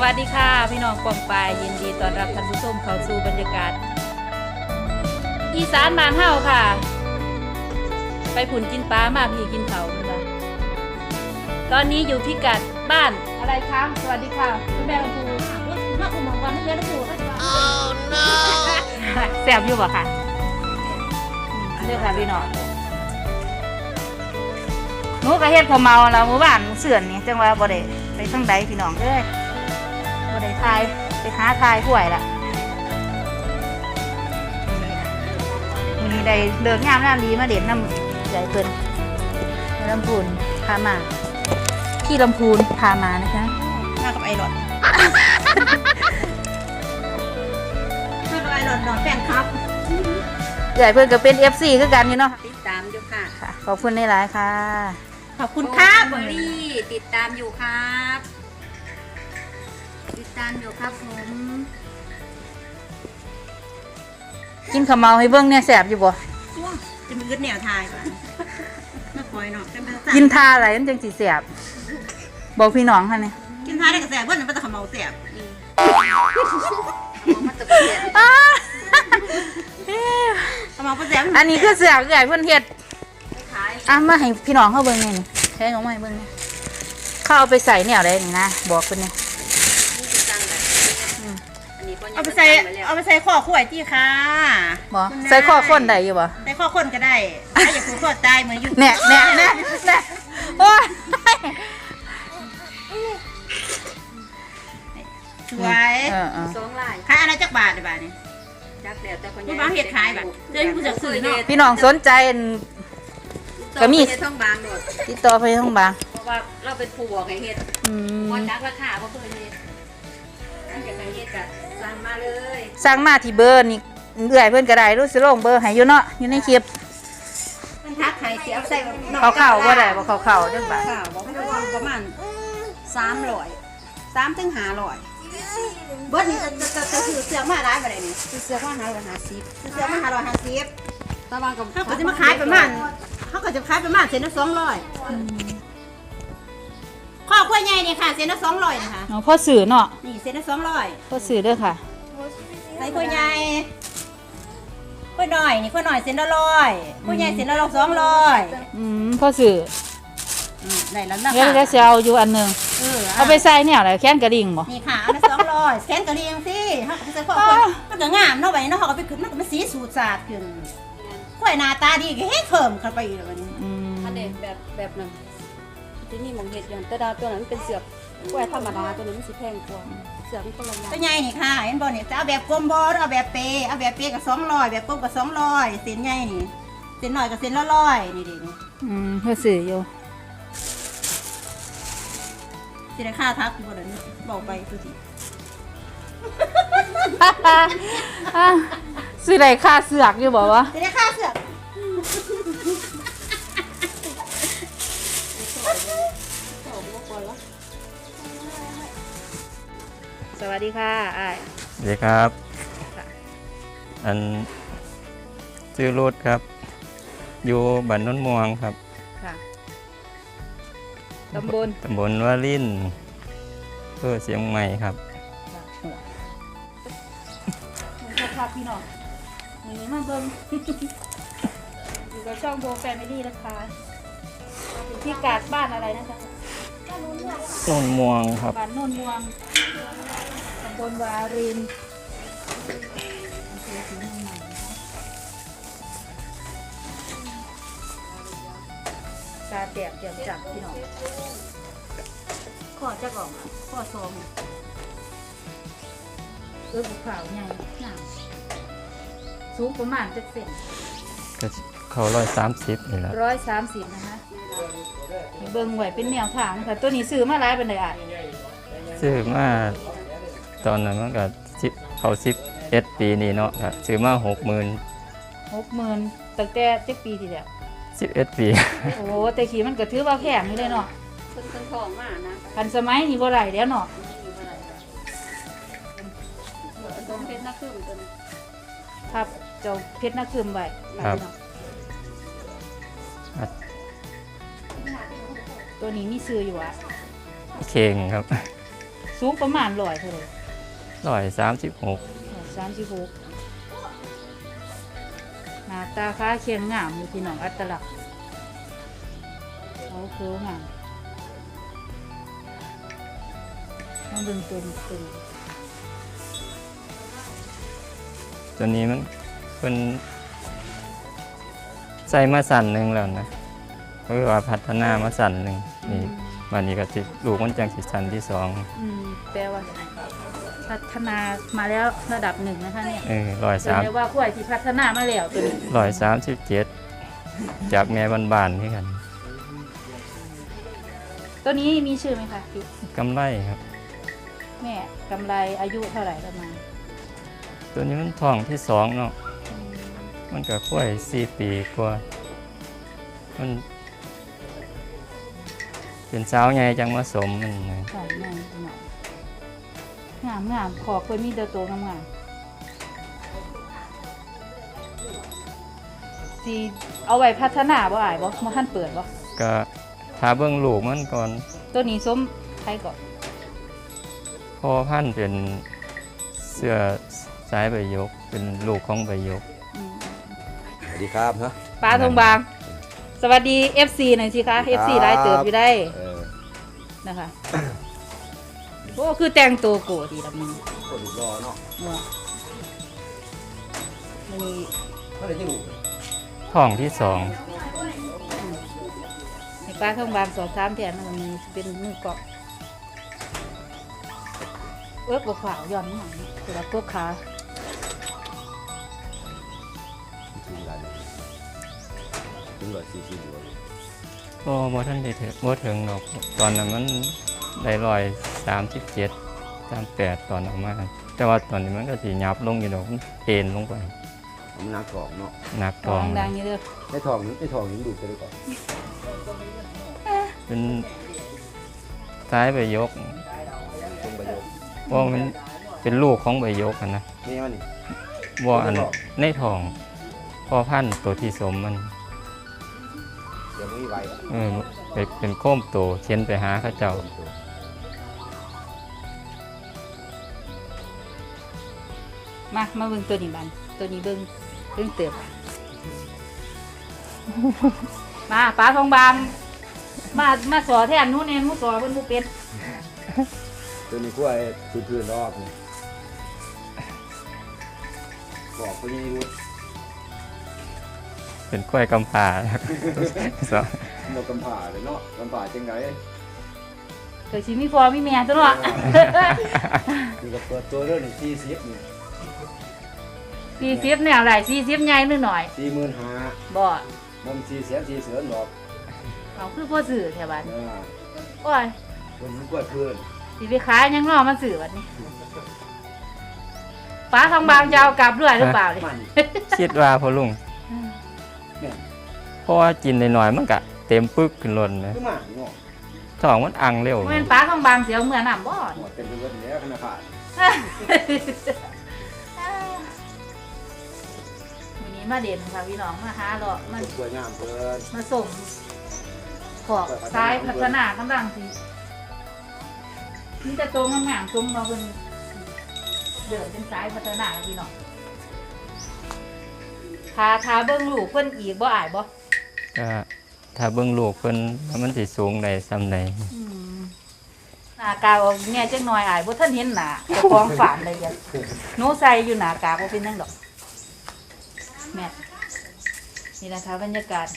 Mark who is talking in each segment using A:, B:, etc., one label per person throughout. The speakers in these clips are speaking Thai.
A: วัสดีค่ะพี่น้องกองปลายยินดีต้อนรับท่านผู้ชมเข้าสู่บรรยากาศอีสานบ้านเฮาค่ะไปผุ่นกินปลามาพี่กินเขาค่ะตอนนี้อยู่พิกัดบ้านอะไรคะสวัสดีค่ะคุณแม่ลำพูมาอุ่มของวันนี้แม่ลำพูแซ่บอยู่ป่ะค่ะเรื่องค่ะพี่น้องหนูก็เฮ็ดพอเมาแล้วหมู่บ้านเสื่อนนี่จังว่าบ่ได้ไปทางใดพี่น้องเอ้ยบ่ได้ทายไปหาทายห่วยละมีได้เลิกงามน้ำดีมาเด็ดน้ำใหญ่เพิ่นลำพูนพามาที่ลำพูนพามานะคะ
B: มากับไอรอนมากับไอรอนนอนแฟนครับ
A: ใหญ่เพิ่นก็เป็น FC คือกันอยู่เนาะ
B: ติดตามอยู่ค่ะ
A: ขอบคุณหลายๆค่ะ
B: ขอบคุณครับเบอร์รี่ติดตามอยู่ครับติดตามอยู่ครับผม
A: กินข้าวเมาให้เบิ่งเนี่ยแซ่บอยู่บ่
B: จะมีกึศแนวทายก่อนน่าคอยเนาะ
A: กินทาอะไรมันจังสิแซ่บบอกพี่น้องค่ะนี่
B: กินทายได้กับแซ่บเพิ่นมันจะขมเมาแซ่บขมเมาแซ่บ
A: อันนี้คือแซ่บใหญ่เพิ่นเฮ็ดมาให้พี่น้องเขาเบิ่งนี่แค่น้องมาให้เบิ่งนี่เขาเอาไปใส่แนวใดนี่นะบอกเพิ่นนี่
B: เอาไปใส่ข้อขวดจี้ค่ะ
A: บ่ใส่ข้อข้นได้อยู่บ่
B: ใส่ข้อข้นก็ได้ถ้าอยากผูกข้อตายเหมือนอยู่
A: แน่โอ้ย
B: สวย2 ลายขายอะไรจักบาทได้บาทนี่จักแล้วแต่คนยังบ่เฮ็ดขายบาทเดี๋ยวผู้จักซื้อเนาะ
A: พี่น้องสนใจก็มี
B: ท่องบางโดด
A: ติดต่อไปท่องบาง
B: เพราะว่าเราเป็นผู้บอกให้เฮ็ดบ่จักราคาบ่เพิ่นเฮ็ดอันจะให้เฮ็ดก็สั่งมาเลย
A: สั่งมาที่เบอร์นี่เอื้อยเพิ่นก็ได้รู้สิลงเบอร์ให้อยู่เนาะอยู่ในคลิป
B: มันทักให้สิเอาใส่
A: เข้าบ่ได้บ่เข้าจังบาท
B: บ่ประมาณ300 3 ถึง 500เบิดนี่จะซื้อเสื้อมาหลายบ่ได้นี่ซื้อเสื้อมา550ซื้อเสื้อมา550ตะวันก็เขาก็จะมาขายประมาณเส้นละ200ข้อขั้วใหญ่นี่ค่ะเส้นละ200นะคะ
A: อ๋อพ่อสื่อเนาะ
B: นี่เส้นละ200
A: พ่อสื่อเด้อค่ะ
B: ใส่ขั้วใหญ่ขั้วน้อยนี่ขั้วน้อยเส้นละ100ขั้วใหญ่เส้นละ200
A: พ่อสื่อ
B: ได้แล้วนะคะ
A: แล้วจะเอาอยู่อันนึงเอาไปใส่แนวไหนแค้นกระดิ่งบ่
B: นี่ค่ะอันละ200แค้นกระดิ่งสิเฮาก็ใส่ข้อมันก็งามเนาะไว้เนาะเฮาก็ไปขึ้นมันก็มันสีสูดสาดขึ้นขั้วหน้าตาดีก็เฮ็ดเพิ่มเข้าไปอีกแล้วบัดนี้
C: อันนี้แบบนั้นที่นี่มองเห็ดอย่างแต่ดาวตัวนั้นเป็นเสือกกล้วยธรรมดาตัวนี้มันสิแพงกว่าเสือกมันก็ละอย่าง
B: ตัวใหญ่นี่ค่ะเห็นบ่นี่จะเอาแบบกลมบ่เอาแบบเปก็200แบบกลมก็200เส้นใหญ่นี่เส้นน้อยก็เส้นละ100นี่ดิ
A: เพื่อสื่ออยู่
B: สิได้ค่าทักบ่ได้บอกไปตัวสิ
A: สื่อได้ค่าเสือกอยู่บ่วะ
B: สิได้ค่าเสือก
A: สวัสดีค่ะอ้าย
D: สวัสดีครับอันชื่อรุดครับอยู่บ้านโนนม่วงครับ
A: ค่ะตำบ
D: ลวารินเพื่อเสียงใหม่ครับ
A: ครับพี่น้องนี่มาเบิ่งอยู่กับช่องโบแฟมิลี่นะคะที่กาดบ้านอะไรนะคะ
D: โนนม่วงครับ
A: บ้านโนนม่วงตำบลวารินตาแตกเจียมจับพี่น้องข้อจะก่อนข้อซองบุกขาวใหญ่หนาสูงประมาณ7 เซน
D: ก็เขา130นี่แหละ
A: 130นะคะเบิ่งไหวเป็นแนวทางค่ะตัวนี้ซื้อมาหลายเป็นเลยอ่ะ
D: ซื้อมาตอนนั้นมันก็เขา11 ปีนี่เนาะครับซื้อมา
A: 60,000ตั้งแต่7 ปีที่แล้ว
D: 11 ปี
A: โอ้แต่ขี่มันก็ถือว่าแพงนี่เลยเนาะ
C: คนทองมากนะ
A: ทันสมัยนี่บ่ไหลแล้วเนาะ
C: ตรงเพชรนักขึ้นตัวนี้
A: ครับเจ้าเพชรนักคืมไว้
D: ครับ
A: ตัวนี้มีซื้ออยู่อ่ะ
D: เข่งครับ
A: สูงประมาณ100เท่าไหร่
D: 136
A: 36หน้าตาค้าเคียงงามอยู่พี่น้องอัตลักษณ์เขาคืองามมาเบิ่งตัวนี้
D: ตัวนี้มันเป็นใส่มาสั่นหนึ่งแล้วนะก็คือว่าพัฒนามาสั่นหนึ่งนี่วันนี้ก็สิลูกมันจังสิสั่นที่สอง
A: แปลว่าพัฒนามาแล้วระดับ1นะคะเนี่ย
D: 103
A: เรียกว่าควายที่พัฒนามาแล้วตัวนี้
D: 137จากแม่บ้านๆนี่กัน
A: ตัวนี้มีชื่อไหมคะพี่
D: กำไรครับ
A: แม่กำไรอายุเท่าไหร่ประมาณ
D: ตัวนี้มันท้องที่สองเนาะมันก็ค่อย4 ปีกว่ามันเป็นสาวใหญ่จังมาสมมันนะ
A: ใช่แม่พี่น้องงามขอบเพิ่นมีแต่ตัวงามสิเอาไว้พัฒนาบ่อ้ายบ่มาทันเปิดบ่
D: ก็ถ้าเบิ่งลูกมันก่อน
A: ตัวนี้ส้มใครก่อน
D: พ่อพันธุ์เป็นเสื้อสายใบยก เป็นลูกของใบยก
E: สวัสดีครับฮะ
A: ปลาทองบาง สวัสดี FC หน่อยสิคะ FC หลายเติบอยู่ได้นะคะ โอ้คือแต่งตัวโกดีละมึง
E: คนรอเนาะ
A: นี่
E: เมื่อไหร่จะรู้
D: ท้องที่สอง
A: ให้ปลาทองบางสอบถามแทนมันมีเป็นมือเกาะบกขาวย้อนหน่อยคือว่าตัวขา
E: ถึงกันถึง140อยู่
D: บ่ทันได้ถึงบ่ถึงดอกตอนนั้นมันได้137 38ตอนออกมาแต่ว่าตอนนี้มันก็สิยับลงอยู่ดอกมันเอ็นลงไป
E: ผมนักทองเนาะ
D: หนักท้อง
A: ดังๆนี่เด้อ
E: ได้ทองนี้ดูไปเลยก่อน
D: เป็นสายใบยก
E: ตรงประโยค
D: เพราะมันเป็นลูกของใบยกอะนะ
E: นี่มันนี่
D: บ่อันในท้องพ่อพันธุ์ตัวที่สมมัน
E: เดี๋ยวมึงไว้
D: ไปเป็นโค้มโตเขียนไปหาเขาเจ้า
A: มาเบิ่งตัวนี้บันตัวนี้เบิ่งเติบ มาปลาทองบางมาสอแทนนู้นเองนู้นสอเพิ่นบ่เป็น
E: ตัวนี้กล้วยพื้นรอบนี่บอกเขายังรู้
D: เป็นกล้วยกำปา สอง
E: บอกกำผ่าเลยเนาะกำผ่าจังไง
A: เคยสิมีพ่อมีแม่ตัวเนาะ
E: นี่ก็เปิดตัวเรื่องนี่40นี่
A: 40เนี่ยหลาย40ใหญ่นิดหน่อย
E: 45,000
A: บ่
E: บ่ม400,000ดอก
A: เอาคือพ่อซื้อแถวบ้าน
E: นะ
A: โอ้ย
E: คนกล้วยพื้น
A: สิไปขายยังรอมาซื้อบัดนี้ปลาทองบางจะเอากลับด้วยหรือเปล่านี่
E: มัน
D: คิดว่าพ่อลุง
E: เนี่ย
D: เพราะว่ากินหน่อยๆมันก็เต็มปึกขึ้นล้นนะ
E: คือหมาเนาะ
D: ท้องมันอังเร็ว
A: บ่แม่นปลาทองบางเสียวเมื่อน้ำบ่
E: หมดเป็นเรื่องนี้ขนาดขาด
A: วันนี้มาเด่นค่ะพี่น้องมาหาเลาะมัน
E: สวยงามเพิ่น
A: มาส่งขอบซ้ายพัฒนากำลังสินี่จะตรงงามๆตรงมาเป็นเดินเป็นซ้ายพัฒนาพี่น้องทาเบิ้งลูกเพิ่นอีกบ่อายบ่
D: ก็ถ้าเบิ่งลูกเพิ่นว่ามันสิสูงได้ส่ำใด
A: หน้ากากออกแง่จังหน่อยอายบ่ทันเห็นหน้าเจ้าของฝานเลยจ้ะหนูใส่อยู่หน้ากากบ่เป็นจังดอกแม่นี่นะคะบรรยากาศ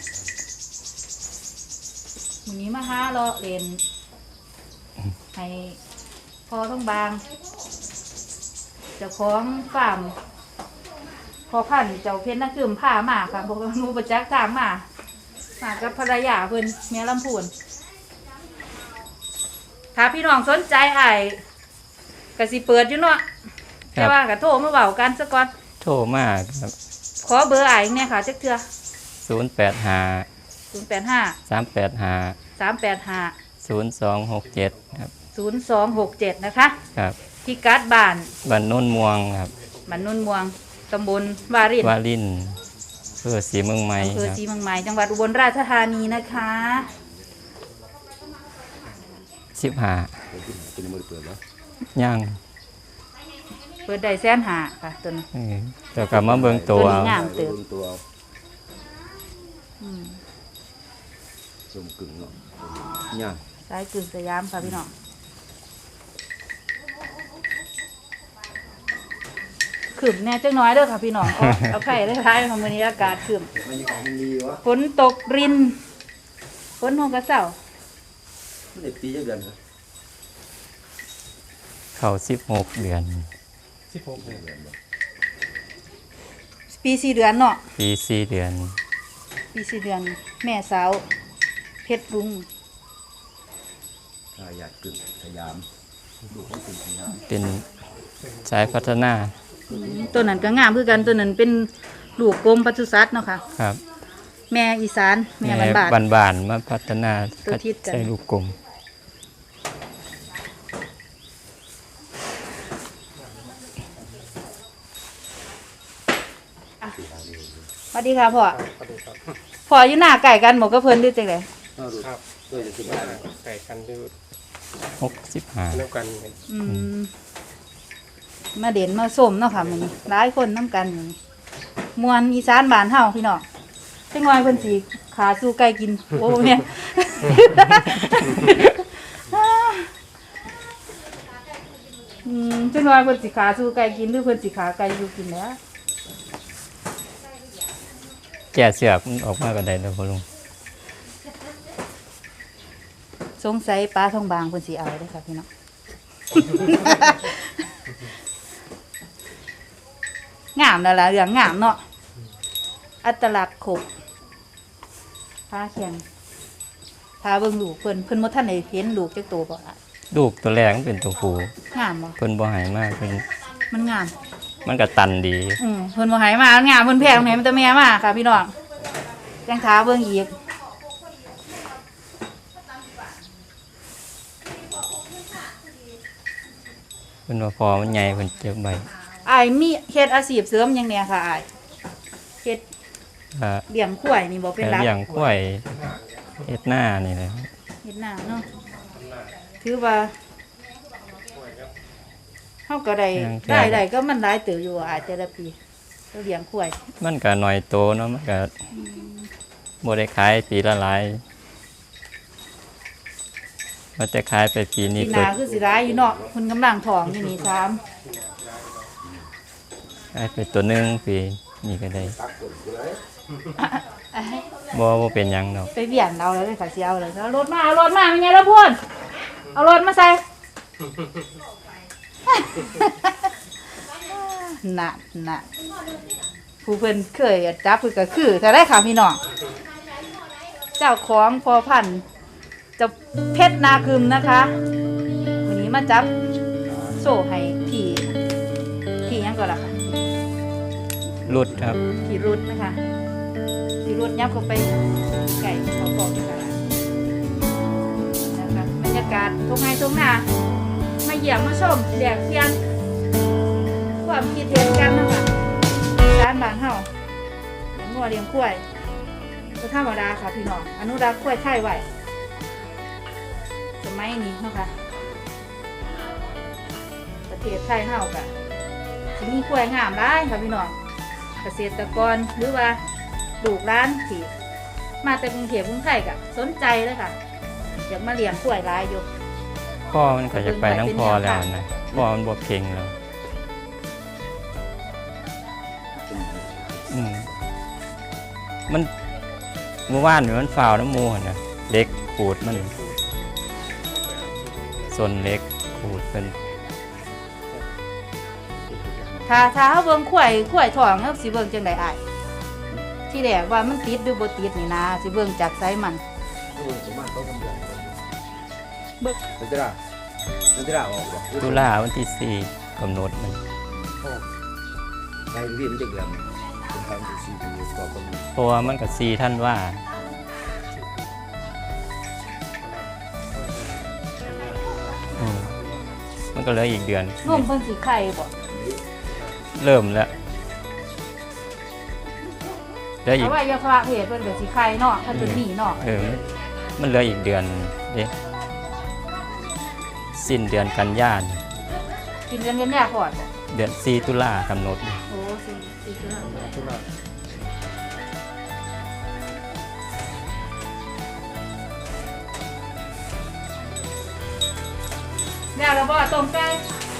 A: วันนี้มาหาเลาะเล่นให้พอต้องบางเจ้าของฟาร์มพอพันธุ์เจ้าเพชรนักดื่มผ้ามาค่ะพวกหนูประจักษ์ทางมากับภรรยาเพิ่นเมียลำพูนถ้าพี่น้องสนใจอ้ายก็สิเปิดอยู่เนาะแต่ว่าก็โทรมาเว้ากันซะก่อน
D: โทรมาครับ
A: ขอเบอร์อ้ายอีกแน่ค่ะจักเทื่อ
D: 085
A: 085
D: 385
A: 385
D: 0267ครับ
A: 0267นะคะ
D: ครับ
A: ที่กัดบ้าน
D: บ้านโน้นม่วงครับ
A: บ้านนุ่นม่วงตำบลวาริน
D: วาลินเพื่อสีเมืองใหม่
A: อำเภอ
D: ครับ
A: ศรีเมืองใหม่จังหวัดอุบลราชธานีนะคะ
D: 15
E: เป็นมือเปิดแล้ว
D: ย่าง
A: เปิดได้150,000ค่ะตัวนี้
D: แต่กลับมาเบิ่งตัว
A: ตัวนี้
D: เอา
A: งาม เติบ
E: บิ่งตัวเอา
A: อืม
E: สมกึ่งเนาะย่าง
A: สายกึ่งสยามค่ะพี่น้องขึ้นแน่จังน้อยเด้อค่ะพี่น้องเอาไข่ได้ท้ายของมื้อนี้อากาศขึ้น
E: บรรยากาศมันดีวะ
A: ฝนตกรินฝนหงกระเซ้า
E: มันได้ปีจักเดือนครับ
D: เข้า16 เดือน
A: ปี4 เดือนเนาะ
D: ปี4 เดือน
A: ปี4 เดือน แม่สาวเพชรรุ้ง
E: ทายาทกึ่งสยามลูกของกึ่งสยาม
D: เป็นสายพัฒนา
A: ตัวนั้นก็งามคือกันตัวนั้นเป็นลูกกรมปศุสัตว์เนาะค่ะ
D: ครับ
A: แม่อีสานแม่บ้าน
D: บานๆมาพัฒนา
A: ตัวทิศกัน
D: ใช้ลูกกลม
A: สวัสดีค่ะพ่อพ่ออยู่หน้าไก่กันหมกกระเพิ่นด้วยจังได๋
E: ครับด้วยจะสิบาท
F: ไก่กันดู
D: 65
F: แล้วกัน
A: มาเด่นมาส้มเนาะค่ะมื้อนี้หลายคนนํกันมื้อนี้มวนอีสานบ้านเฮาพี่น้องจังน้อยเพิ่นสิขาสู่ไก่กินโอ้แม่ จังน้อยเพิ่นสิขาสู่ไก่กินหรือเพิ่นสิขาไก่อยู่กินแหล้ว
D: แก่เสือกมันออกมาก็ได้แล้วพ่อลุง
A: สงสัยปลาทองบางเพิ่นสิเอาเด้อค่ะพี่น้อง งามแล้วล่ะเรื่องงามเนาะอัตลักษณ์ครบพาแข่งพาเบิ่งลูกเพิ่นบ่ทันได้เห็นลูกจักตัวบ่อะ
D: ลูกตัวแรกมันเป็นตัวผู้
A: งามบ่
D: เพิ่นบ่ใหายมากเพิ่น
A: มันงาม
D: มันก็ตันดี
A: เพิ่นบ่ให้มามันงามเพิ่นแพงให้มันแต่แม่มาค่ะพี่น้องจังท้าเบิ่งอีก
D: เพิ่นว่าพอมันใหญ่เพิ่นเจ็บใบ
A: อ้ายมีเฮ็ดอาชีพเสริมหยังแหน่ค่ะอ้ายเฮ็ด
D: อ่า
A: เลี้ยงควายนี่บ่เป็นหลัก
D: เลี้ยงควายเฮ็ดหน้านี่แหละ
A: เฮ็ดนาเนาะถือว่าเฮาก็ได้ก็มันหลายเติบอยู่อาจจะละปีเราเลี้ยงควาย
D: มันก็น้อยโตเนาะมันก็บ่ได้ขายปีละหลายมันจะขายไปปีนี้
A: ปีห
D: ก็
A: น้าคือสิร้ายอยู่เนาะเพิ่นกำลังท้องอยู่นี่3
D: ขายไปตัวหนึงปีนี้ก็ได้บ่เป็นหยังดอก
A: ไปเบียนเราแล้วเลยค่ะสิเอาเลยเอารถมาเป็นไงล่ะพ่นเอารถมาใส่ น่ะผู้เพิ่นเคยจับเพิ่นก็คือถ้าได้ค่ะพี่น้องเจ้าของพอพันธุ์เจะเพชรนาคึมนะคะวันนี้มาจับโซ่ให้พี่หยังก่อนล่ะค่ะ
D: รุดครับ
A: พี่รุดนะคะพี่รุดยับเข้าไปไก่เขาบอกนะคะนะคะบรรยากาศทุ่งไร่ทุ่งนามาเยี่ยมมาชมแดกเพียนความคิดเห็นกันนะคะร้านบ้านเฮาเลี้ยงวัวเลี้ยงควายก็ธรรมดาค่ะพี่น้องอนุรักษ์ควายไทยไว้สมัยนี้เนาะค่ะประเทศไทยเฮากะสิมีควายงามหลายค่ะพี่น้องเกษตรกรหรือว่าลูกร้านที่มาแต่กรุงเทพกรุงไทยกะสนใจเลยค่ะอยากมาเลี้ยงควายหลายอยู่
D: พ่อมันก็จะไปทั้งพ่อแล้วนะพ่อมันบ่เก่งแล้วมันเมื่อวานนี่มันฝ่าวน้ำมูหั่นน่ะเล็กขูดมันส่วนเล็กขูดเป็น
A: ถ้าเฮาเบิ่งควายท้องเฮาสิเบิ่งจังได๋อ้ายที่แรกว่ามันติดหรือบ่ติดนี่นะสิเบิ่งจากไสมัน
E: ประมาณ2-3เดือน
A: เบิ่ง
E: นันทิราออกบ่
D: ตุลาวันที่4กำหนดมัน
E: ในเรียนจักเดือนเป็นทางที่4ปีก็กำหนด
D: เพราะว่ามันก็4ท่านว่ามันก็เหลืออีกเดือน
A: นมเพิ่นสิไข่บ่
D: เริ่มแล้วเหลืออี
A: แต่
D: ก
A: ว่าอย่าพาเพศเพิ่นก็สิไข่เนาะถ้าเพิ่นมีเนาะ
D: มันเหลืออีกเดือนเด้สิ้นเดือนกันยายน
A: กินกันยันแย่ขอดบ่
D: เดือน4ตุลากำหนด
A: โอ้สี่ตุลา
E: ทุกอย่าง
A: แล้วเราบ่ต้มไก่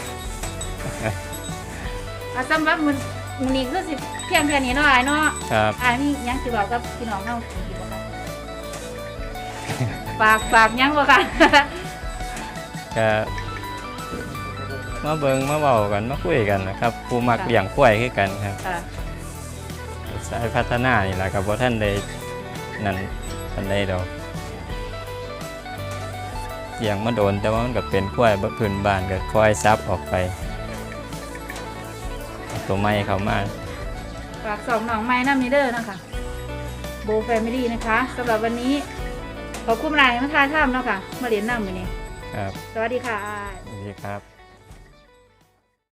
A: สำหรับมื้อนี้คือสิเพียงแค่นี้เนาะอ้ายเนาะ
D: ครับ
A: อ้ายมีหยังสิบอกกับพี่น้องเฮาอีกบ่คะฝากหยังบ่คะ
D: ก็มาเบิ่งมาเว้ากันมาคุยกันนะครับผู้มักเลี้ยงควายคือกันครับ
A: ค่ะ
D: สายพัฒนานี่ล่ะครับบ่ทันได้นั่นปานใดดอกเลี้ยงมาโดนแต่ว่ามันก็เป็นควายพื้นบ้านก็ควายซับออกไปเอาตัวใหม่เข้ามา
A: ฝากสองน้องไม้น้ำนี้เด้อนะคะโบแฟมิลี่นะคะสำหรับวันนี้ขอบคุณหลายมาทายถ้ำเนาะค่ะมาเรียนน้ำวันนี้
D: ครับ
A: สวัสดีค่ะ
D: สวัสดีครับ